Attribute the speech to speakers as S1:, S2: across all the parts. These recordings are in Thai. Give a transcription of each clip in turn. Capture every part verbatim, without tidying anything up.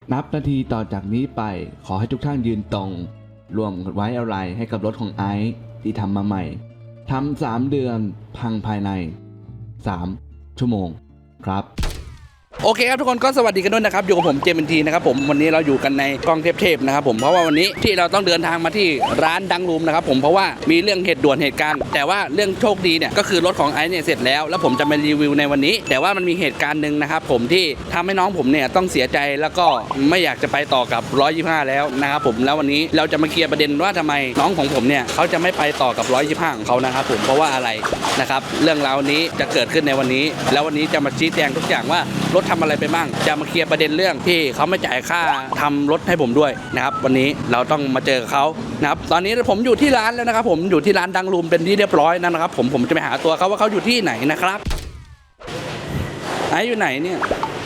S1: นับนาทีต่อจากนี้ไปขอให้ทุกท่านยืนตรงรวมไว้อะไรให้กับรถของไอซ์ที่ทำมาใหม่ทำสามเดือนพังภายในสามชั่วโมงครับโอเคครับทุกคนก็สวัสดีกันด้วยนะครับอยู่กับผมเจมส์ทีนะครับผมวันนี้เราอยู่กันในกองเทพๆนะครับผมเพราะว่าวันนี้ที่เราต้องเดินทางมาที่ร้านดังรูมนะครับผมเพราะว่ามีเรื่องเหตุด่วนเหตุการณ์แต่ว่าเรื่องโชคดีเนี่ยก็คือรถของไอซ์เนี่ยเสร็จแล้วแล้วผมจะมารีวิวในวันนี้แต่ว่ามันมีเหตุการณ์หนึ่งนะครับผมที่ทำให้น้องผมเนี่ยต้องเสียใจแล้วก็ไม่อยากจะไปต่อกับหนึ่งร้อยยี่สิบห้าแล้วนะครับผมแล้ววันนี้เราจะมาเคลียร์ประเด็นว่าทำไมน้องของผมเนี่ยเขาจะไม่ไปต่อกับหนึ่งร้อยยี่สิบห้าของเขานะครับผมเพราะว่าอะไรนะครับเรื่องราวนี้จะเกิดขึ้นในวันนี้แล้ววันนี้จะมาชี้แจงทุกอย่างว่ารถทำอะไรไปบ้างจะมาเคลียร์ประเด็นเรื่องที่เขาไม่จ่ายค่าทำรถให้ผมด้วยนะครับวันนี้เราต้องมาเจอเขานะครับตอนนี้ผมอยู่ที่ร้านแล้วนะครับผมอยู่ที่ร้านดังรูมเป็นที่เรียบร้อยนะครับผมผมจะไปหาตัวเขาว่าเขาอยู่ที่ไหนนะครับไอ้อยู่ไหนเนี่ย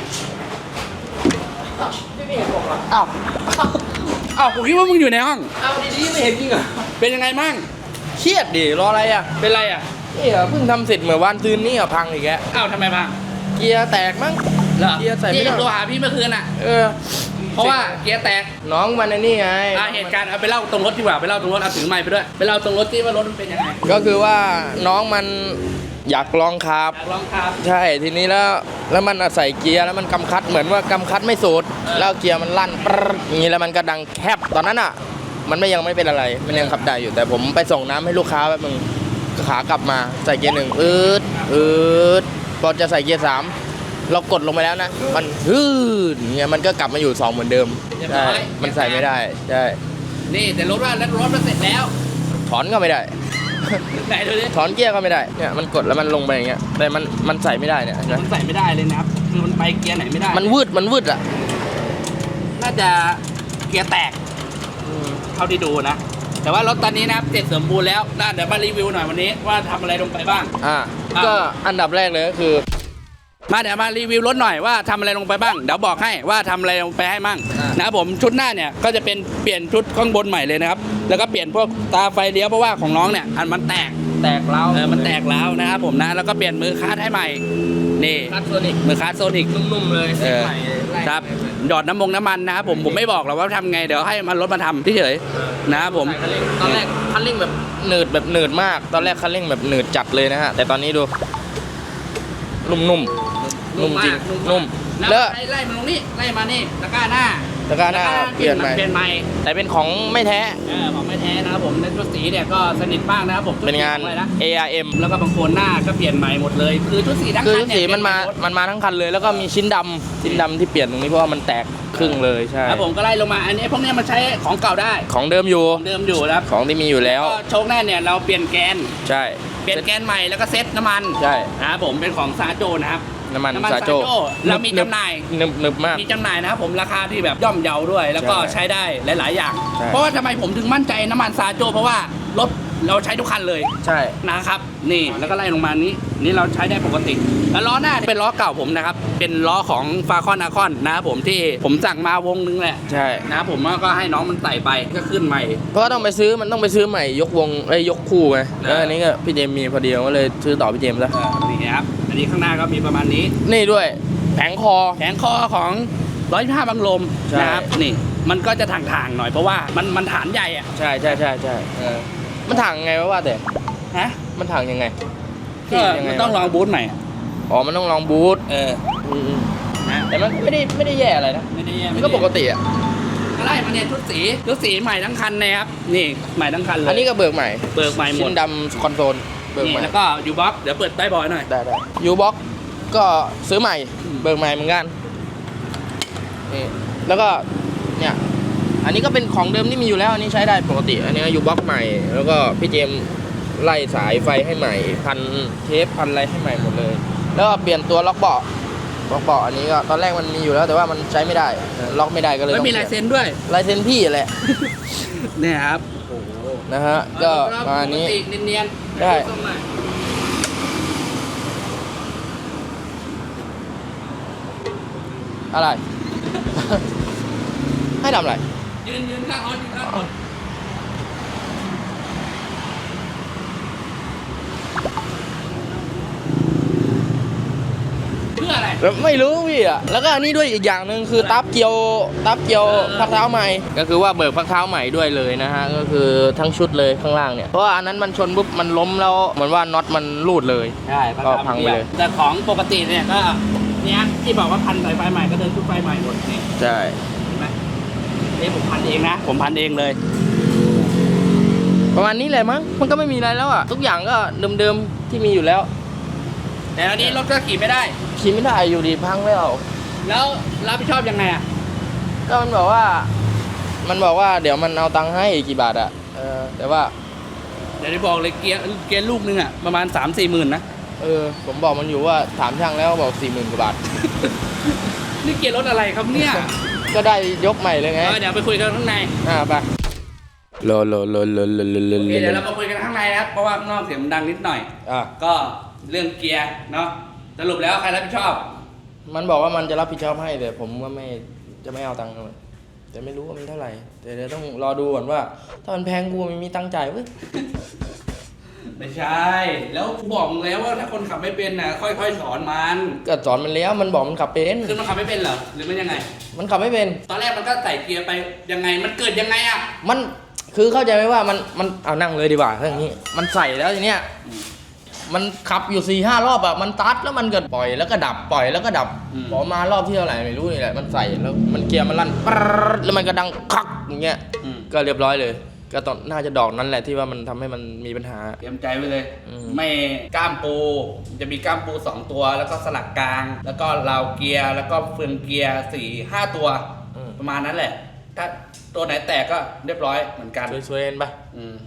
S2: พี่ไม่เห็นผมเหรอ
S1: อ้าวอ้าวผมคิดว่ามึงอยู่ในห้อง
S2: เอาดีๆไม่เห็นจริงเหรอ
S1: เป็นยังไงมั่ง
S2: เครียดดิรออะไรอ่ะ
S1: เป็นไรอ่ะ
S2: นี่อ่ะเพิ่งทำเสร็จเมื่อวานซืนนี่อ่ะพังอีกแล้ว
S1: อ้าวทำไมพัง
S2: เกียร์แตกมั้ง
S1: เกียร์ใส่ไม่ได้ตัวหาพี่เมื่อคืนอ่ะ
S2: เออ
S1: เพราะว่าเกียร์แตก
S2: น้องมันในนี่ไง
S1: เหตุการณ์เอาไปเล่าตรงรถดีกว่าไปเล่าตรงรถเอาถือไมค์ไปด้วยไปเล่าตรงรถที่ว่ารถมันเป็นยังไง
S2: ก็คือว่าน้องมันอยากลองขับ
S1: อยากลองขับ
S2: ใช่ทีนี้แล้วแล้วมันใส่เกียร์แล้วมันกำคัดเหมือนว่ากำคัดไม่สุดแล้วเกียร์มันลั่นปรอย่างนี้แล้วมันก็ดังแคบตอนนั้นอ่ะมันไม่ยังไม่เป็นอะไรมันยังขับได้อยู่แต่ผมไปส่งน้ำให้ลูกค้าแบบมึงขากลับมาใส่เกียร์หนึ่งอืดอืดพอจะใส่เกียร์สามเรากดลงไปแล้วนะมันฮืดเนี่ยมันก็กลับมาอยู่สองเหมือนเดิมใช่มันใส่ไม่ได้ใช่
S1: นี่แต่รถว่าแล้วรถมันเสร็จแล้ว
S2: ถอนก็ไม่ได้
S1: ไหนดูดิ
S2: ถอนเกียร์ก็ไม่ได้เนี่ยมันกดแล้วมันลงไปอย่างเงี้ยแต่มันมันใส่ไม่ได้เนี่ย
S1: มันใส่ไม่ได้เลยนะครับคือมันไปเกียร์ไหนไม่ได้
S2: มันวืดมันวืดอ่ะ
S1: น่าจะเกียร์แตกเท่าที่ดูนะแต่ว่ารถตอนนี้นะครับเสร็จสมบูรณ์แล้วน่าเดี๋ยวมารีวิวหน่อยวันนี้ว่าทำอะไรลงไปบ้าง
S2: อ่าก็อันดับแรกเลยก็คือ
S1: มาเดี๋ยวมารีวิวรถหน่อยว่าทำอะไรลงไปบ้างเดี๋ยวบอกให้ว่าทำอะไรลงไปให้มั่งนะครับผมชุดหน้าเนี่ยก็จะเป็นเปลี่ยนชุดข้างบนใหม่เลยนะครับแล้วก็เปลี่ยนพวกตาไฟเลี้ยวเพราะว่าของน้องเนี่ยอันมันแตก
S2: แตกแล้ว
S1: เออมันแตกแล้วนะครับผมนะแล้วก็เปลี่ยนมือคาร์ดให้ใหม่นี่
S2: คาร์ดโซนิก
S1: มือคาร์ดโซนิก
S2: นุ่มๆเลย
S1: เออครับหยอดน้ำมงน้ำมันนะครับผมผมไม่บอกหรอกว่าทำไงเดี๋ยวให้มันรถมาทำเฉยๆนะครับผม
S2: ตอนแรกคันเร่งแบบหนืดแบบหนืดมากตอนแรกคันเร่งแบบหนืดจัดเลยนะฮะแต่ตอนนี้ดูนุ่มๆนุ่มจริงนุ่ม
S1: แล้วไล่มันลงนี่ไล่มานี่ตะกร้าหน้า
S2: ตะกร้าหน้าเปลี่ยนใหม่
S1: เปลี่ยนใหม่
S2: แต่เป็นของไม่แท้
S1: เออของไม่แท้นะครับผมในชุดสีเนี่ยก็สนิทมากนะครับผม
S2: เป็นงาน เอ อาร์ เอ็ม
S1: แล้วก็บางโคนหน้าก็เปลี่ยนใหม่หมดเลยคือชุดสีทั้งคัน
S2: คือชุดสีมันมามันมาทั้งคันเลยแล้วก็มีชิ้นดำชิ้นดำที่เปลี่ยนตรงนี้เพราะว่ามันแตกครึ่งเลยใช่
S1: ครับผมก็ไล่ลงมาอันนี้พวกนี้มันใช้ของเก่าได้
S2: ของเดิมอยู่
S1: เดิมอยู่ครับ
S2: ของที่มีอยู่แล้ว
S1: โชคหน้าเนี่ยเราเปลี่ยนแกน
S2: ใช่
S1: เปลี่ยนแกนใหม่แล้วก็เซ็ตน้ำมัน
S2: ใช่
S1: นะครับผมเป็นของซาโจนะครับ
S2: น้ำมันซาโจ
S1: เรามีจำหน่าย
S2: นึบๆมาก
S1: มีจำหน่ายนะครับผมราคาที่แบบย่อมเยาด้วยแล้วก็ใช้ได้หลายๆอย่างเพราะว่าทำไมผมถึงมั่นใจน้ำมันซาโจเพราะว่ารถเราใช้ทุกคันเลย
S2: ใช่
S1: นะครับนี่แล้วก็ไล่ลงมานี้นี่เราใช้ได้ปกติแล้วล้อหน้าเป็นล้อเก่าผมนะครับเป็นล้อของฟาคอนอาคอนนะครับผมที่ผมสั่งมาวงนึงแหละ
S2: ใช่
S1: นะครับผมก็ให้น้องมันไต่ไปก็ขึ้นใหม่
S2: เพราะต้องไปซื้อมันต้องไปซื้อใหม่ยกวงไอ้ยกคู่ไงแล้วอันนี้ก็พี่เจมมีพอดีก็เลยซื้อต่อพี่เจมซะ
S1: นี่ครับอันนี้ข้างหน้าก็มีประมาณนี้
S2: นี่ด้วยแผงคอ
S1: แผงคอของร้อยห้าบังลมนะครับนี่มันก็จะถ่างๆหน่อยเพราะว่ามันมันฐานใหญ่อ่ะ
S2: ใช่ใช่ใช่ใช่มันถ่างไงวะว่าแต่
S1: ฮะ
S2: มันถ่างยังไง
S1: ก็มันต้องลองบูทใหม่
S2: อ๋อมันต้องลองบูท
S1: เออ
S2: แต่มันไม่ได้ไม่ได้แย่อะไรนะ
S1: ไม่ได้แย่
S2: มันก็ปกติอ่ะ
S1: ก็ไล่มาเนี่ยชุดสีชุดสีใหม่ทั้งคันนะครับนี่ใหม่ทั้งคันเลย
S2: อันนี้ก็เบิกใหม่
S1: เบิกใหม่หมด
S2: ชิ้นดำคอนโซลเบิกใหม่
S1: แล้วก็ยูบ็อกเดี๋ยวเปิดใต้บอยหน่อย
S2: ได้ได้ยูบ็อกก็ซื้อใหม่เบิกใหม่เหมือนกันนี่แล้วก็เนี่ยอันนี้ก็เป็นของเดิมที่มีอยู่แล้วอันนี้ใช้ได้ปกติอันนี้ยูบ็อกใหม่แล้วก็พี่เจมไล่สายไฟให้ใหม่พันเทปพันอะไรให้ใหม่หมดเลยแล้วก็เปลี่ยนตัวล็อกเบาะล็อกเบาะอันนี้ก็ตอนแรกมันมีอยู่แล้วแต่ว่ามันใช้ไม่ได้ล็อกไม่ได้ก็เลย
S1: ไม่มีลายเซ็นด้วย
S2: ลายเซ็นพี่แหละ
S1: เนี่ยครับ
S2: นะฮะก็มาอันนี้
S1: เนียน
S2: ๆได้อะไรให้ทำอะไร
S1: ยืนยืนข้างรถยืนข้างรถเพื่ออะไร
S2: แล้วไม่รู้พี่อ่ะแล้วก็อันนี้ด้วยอีกอย่างหนึ่งคือตับเกียวตับเกียวพักเท้าใหม่ก็คือว่าเบิกพักเท้าใหม่ด้วยเลยนะฮะก็คือทั้งชุดเลยข้างล่างเนี่ยเพราะว่าอันนั้นมันชนปุ๊บมันล้มแล้วเหมือนว่าน็อตมันรูดเลย
S3: ใช่
S2: ก็พังไปเลย
S3: แต่ของปกติเนี่ยก็เนี้ยที่บอกว่าพันสายไฟใหม่ก็เดินชุดไฟใหม่หมดนี่
S2: ใช่
S3: เห็นไหมนี่ผมพันเองนะผมพันเองเลย
S2: ประมาณนี้แหละมั้งมันก็ไม่มีอะไรแล้วอ่ะทุกอย่างก็เดิมๆที่มีอยู่แล้ว
S3: แต่อันนี้รถก็ขี่ไม่ได้
S2: ขี่ไม่ได้อยู่ดีพังแล้ว
S3: แล้วรับผิดชอบยังไงอ่ะ
S2: ก็มันบอกว่า มันบอกว่าเดี๋ยวมันเอาตังค์ให้กี่บาทอะเออแต่ว่า
S3: เดี๋ยวได้บอกเลยเกียร์เกียร์ลูกนึงอ่ะประมาณสามสี่หมื่นนะ
S2: เออผมบอกมันอยู่ว่าถามช่างแล้วบอกสี่หมื่นกว่าบาท
S3: นี่เกียร์รถอะไรครับเนี่ย
S2: ก็ได้ยกใหม่เลยไง
S3: เออเดี๋ยวไปคุยกันข้างใน
S2: อ่าไปโลโลโลโลโลโลโล
S3: โอเคเดี๋ยวเรามาคุยกันข้างในนะครับเพราะว่าข้างนอกเสียงมันดังนิดหน่อย
S2: อ่ะ
S3: ก็เรื่องเกียร์เนาะสรุปแล้วใครรับผิดชอบ
S2: มันบอกว่ามันจะรับผิดชอบให้แต่ผมว่าไม่จะไม่เอาตังค์เลยแต่ไม่รู้ว่ามันเท่าไหร่แต่เดี๋ยวต้องรอดูก่อนว่า ถ้ามันแพงกูไม่มีตังค์จ่ายเว้ย
S3: ไม่ใช่ แล้วกูบอกมึงแล้วว่าถ้าคนขับไม่เป็นน่ะค่อยๆสอนมัน
S2: ก็สอนมันแล้วมันบอกมันขับเป็น
S3: คือมันขับไม่เป็นเหรอหรือมันยังไง
S2: มันขับไม่เป็น
S3: ตอนแรกมันก็ใส่เกียร์ไปยังไงมันเกิดยังไงอ่ะ
S2: มันคือเข้าใจไหมว่ามันมันเอานั่งเลยดีกว่าถ้าอย่างนี้มันใส่แล้วทีเนี้ยมันขับอยู่สี่ห้ารอบอะมันตัดแล้วมันก็ปล่อยแล้วก็ดับปล่อยแล้วก็ดับพอมารอบที่เท่าไหร่ไม่รู้นี่แหละมันใส่แล้วมันเกียร์มันลั่นปรดแล้วมันก็ดังคักอย่างเงี้ย
S3: อืม
S2: ก็เรียบร้อยเลย ก็ตอนน่าจะดอกนั้นแหละที่ว่ามันทำให้มันมีปัญหา
S3: เตรียมใจไว้เลย
S2: อืม
S3: ไม่ก้ามปูจะมีก้ามปูสองตัว แล้วก็สลักกลาง แล้วก็ราวเกียร์แล้วก็เฟืองเกียร์สี่ห้าตัว
S2: อืม
S3: ประมาณนั้นแหละ ถ้าตัวไหนแตกก็เรียบร้อยเหมือนกัน
S2: ช่วยๆเอ็นปะ
S3: อืม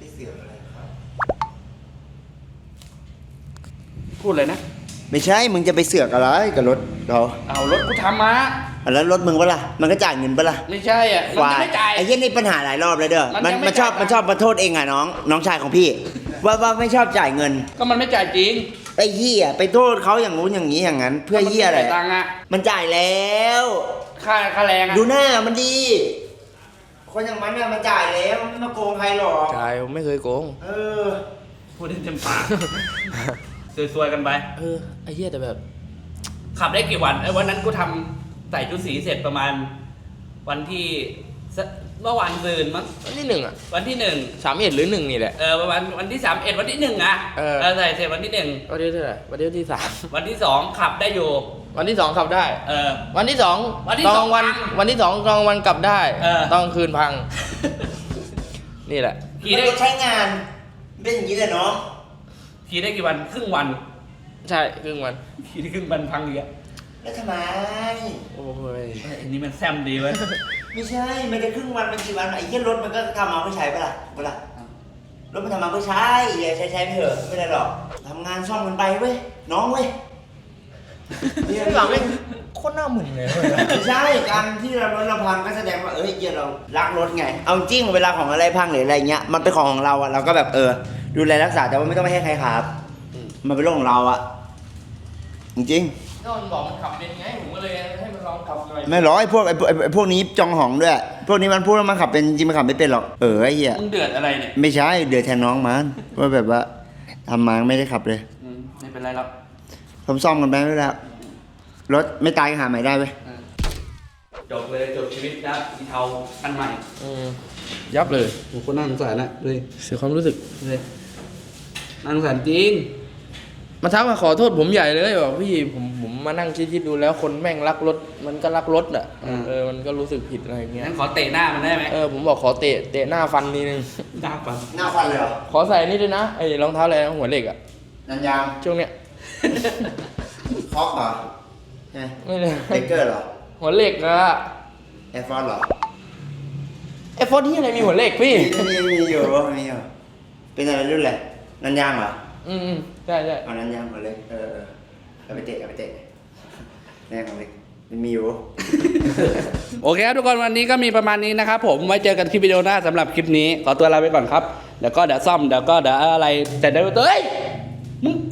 S3: พูดเลยนะ
S4: ไม่ใช่ มึงจะไปเสือกอะไรกับรถเรา
S3: เอารถกูทำมา
S4: แล้วรถมึงปะล่ะ มันก็จ่ายเงินปะล่ะ
S3: ไม่ใช่อ่ะมัน
S4: ควา
S3: จะ
S4: ย
S3: ไม่จ่าย
S4: ไอ้เหี้ยนี่ปัญหาหลายรอบเลยเด้อ
S3: มัน
S4: มัน
S3: ยังไม่
S4: มันชอบ
S3: จ่าย
S4: มันชอบมาโทษเองอ่ะน้อง น้องชายของพี่ ว่าว่าไม่ชอบจ่ายเงิน
S3: ก็มันไม่จ่ายจริง
S4: ไอ้เหี้ยไปโทษเขาอย่างงู้นอย่างนี้อย่างนั้น เพื่อเหี้ยอะไร
S3: มันม่จ่าตังค์อะ
S4: มันจ่ายแล้ว
S3: ค่าค่าแรงอะ
S4: ดูหน้ามันดี คนอย่างมันเนี่ยมันจ่ายแล้วมันไม่มาโกงใครหรอก
S2: ใช่ผมไม่เคยโกง
S4: เออ
S3: พูดได้เต็มปาก สวยๆกันไป
S2: เออไอ้เหี้ยแต่แบบ
S3: ขับได้กี่วันไอ้วันนั้นกูทำใส่ชุดสีเสร็จประมาณ วันที่สเมื่อวานซืนมั้ง
S2: วันที่หนึ่งอะ
S3: วันที่หนึ่ง
S2: สามเอ็ดหรือหนึ่งนี่แหละ
S3: เออประมาณวันที่สามเอ็ดวันที่หนึ่งอะ
S2: เออ
S3: ใส่เสร็จวันที่หนึ่ง
S2: วันที่เท่าไหร่วันที่ที่สาม
S3: วันที่สองขับได้อยู่
S2: วันที่สองขับได้
S3: เออ
S2: วันที่สอง
S3: วันที่
S2: ตอน
S3: ส
S2: ก
S3: อง
S2: ลางวัน
S3: พัง
S2: วันที่สองกลางวันกลับได้
S3: เออ
S2: ตอนกลางคืนพัง นี่แหละ
S3: ขี่
S4: มัน
S3: ได้
S4: ก็ใช้งาน เป็นอย่างนี้เลยเนาะ
S3: ขี่ได้กี่วันครึ่งวัน
S2: ใช่ครึ่งวัน
S3: ขี่ได้ครึ่งวันพังเยอะ
S4: แล้วทำไม
S2: โอ้ย
S3: อันนี้มันแซมดีเว้ย
S4: ไม่ใช่ มันจะครึ่งวันมันกี่วันไอ้เหี้ยรถมันก็ทำมาเพื่อใช้ปะล่ะปะล่ะรถมันทำมาเพื่อใช้อย่าใช้ใช้ไปเถอะไม่ได้หรอกทำงานซ่อมกันไปเว้ยน้องเว้ย
S2: นี่หลังเป็นโคตรหน้าหมึนเลย
S4: ไม่ใช่การที่เรารถเราพังก็แสดงว่าเอ้ยเหี้ยเรารักรถไงเอาจริงเวลาของอะไรพังหรืออะไรเงี้ยมันเป็นของของเราอะเราก็แบบเออดูแลรักษาแต่ว่าไม่ต้องไปให้ใครครับมันเป็นเรื่องของเราอะจริง
S2: ก็มันบอกมันขับเป็นไงผมก็เลยให้มันลองขับหน่อย
S4: ๆไม่หรอกไอ้พวกไอ้พวกไอ้พวกนี้จองหองด้วย พวกนี้มันพูดว่ามันขับเป็นจริงมันขับไม่เป็นหรอกเออไอ้เหี้ย
S3: มึงเดือดอะไรเนี่ย
S4: ไม่ใช่เดือดแทนน้องมันว่าแบบว่าทำมาไม่ได้ขับเลย
S3: อืมไม่เป็นไรหรอก
S4: ผมซ่อมกันไปไม่ได้รถไม่ตายก็หาใหม่ได้เว้ย
S3: จบเลยจบชีวิตแล้วอีเทาอันใหม่
S2: อืมยับเลย
S3: โอ้คนน่าสงสารนะเลย
S2: เสียความรู้สึก
S3: เลยน่าสงสารจริง
S2: มาทักมาขอโทษผมใหญ่เลยบอกพี่ผมผมมานั่งคิดๆดูแล้วคนแม่งรักรถมันก็รักรถอ่ะ
S3: อืม
S2: เออมันก็รู้สึกผิดอะไรอย่างเงี้ย
S3: งั้นขอเตะหน้ามันได้ไหม
S2: เออผมบอกขอเตะเตะหน้าฟันนิดนึง
S3: หน้าปัง
S4: หน้าฟันเลยเหรอ
S2: ขอใส่นี่ด้วยนะไอ้รองเท้าอะไรนะหัวเหล็กอ่ะ
S4: นันยาง
S2: ช่วงเนี้ย
S4: คอกเหรอไง
S2: ไม่เลย
S4: เบเกอร์เหรอ
S2: หัวเหล็กอะ
S4: แอร์ฟอร์เหรอ
S2: ไอ้ฟอนที่อะไรมีหัวเหล็กพี่
S4: มีมีอยู่มีอยู่เป็นอะไรรุ่นอะไรนันยางเหรอ
S2: อืมใช่ใช่
S4: เอานันยางมาเลยเออเออเอาไปเตะเอาไปเตะแน่ของเล็กมันมีอยู่
S3: โอเคครับทุกคนวันนี้ก็มีประมาณนี้นะครับผมไว้เจอกันคลิปวิดีโอหน้าสำหรับคลิปนี้ขอตัวลาไปก่อนครับเดี๋ยวก็เดี๋ยวซ่อมเดี๋ยวก็เดี๋ยวอะไรแต่เดี๋ยวเฮ้ยมึง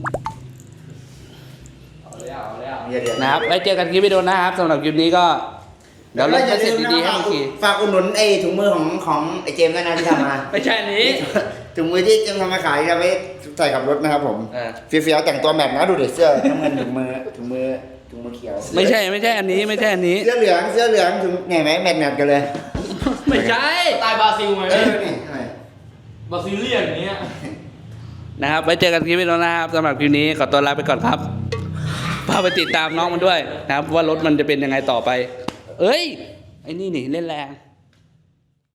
S2: เอาแล้วเอาแล้ว
S4: เดี๋ยวเดี๋ยว
S3: นะครับไว้เจอกันคลิปวิดีโอหน้าครับสำหรับคลิปนี้ก็เดี๋ยวเราจะเสร็จดีๆให้เมื่อกี้
S4: ฝากอุดหนุนไอ้ถุงมือของของไอ้เจมส์ด้วยนะที่ทำมา
S3: ไม่ใช่อันนี้
S4: ถุงมือที่เจมส์ทำมาขายจะไว้ใส่กับรถนะครับผม
S3: เออ
S4: เฟี้ยวๆแต่งตัวแบบนะดูเด็เสื้อน้ำเงินถุงมือถุงมือถุงมะเขียว
S3: ไม่ใช่ไม่ใช่อันนี้ไม่ใช่อันนี้
S4: เสื้อเหลืองเสื้อเหลืองถุงเนี่ยไหมแมทแมทกันเลย
S3: ไม่ใช่
S2: ตายบราซิลไหม
S4: เออนี่ทำไม
S2: บราซิเลียนอย่างเงี้ย
S3: นะครับไว้เจอกันคลิปวิดีโอนะครับสำหรับคลิปนี้ขอตัวลาไปก่อนครับพาไปติดตามน้องมันด้วยนะครับว่ารถมันจะเป็นยังไงต่อไป เอ้ยไอ้นี่นี่เล่นแรง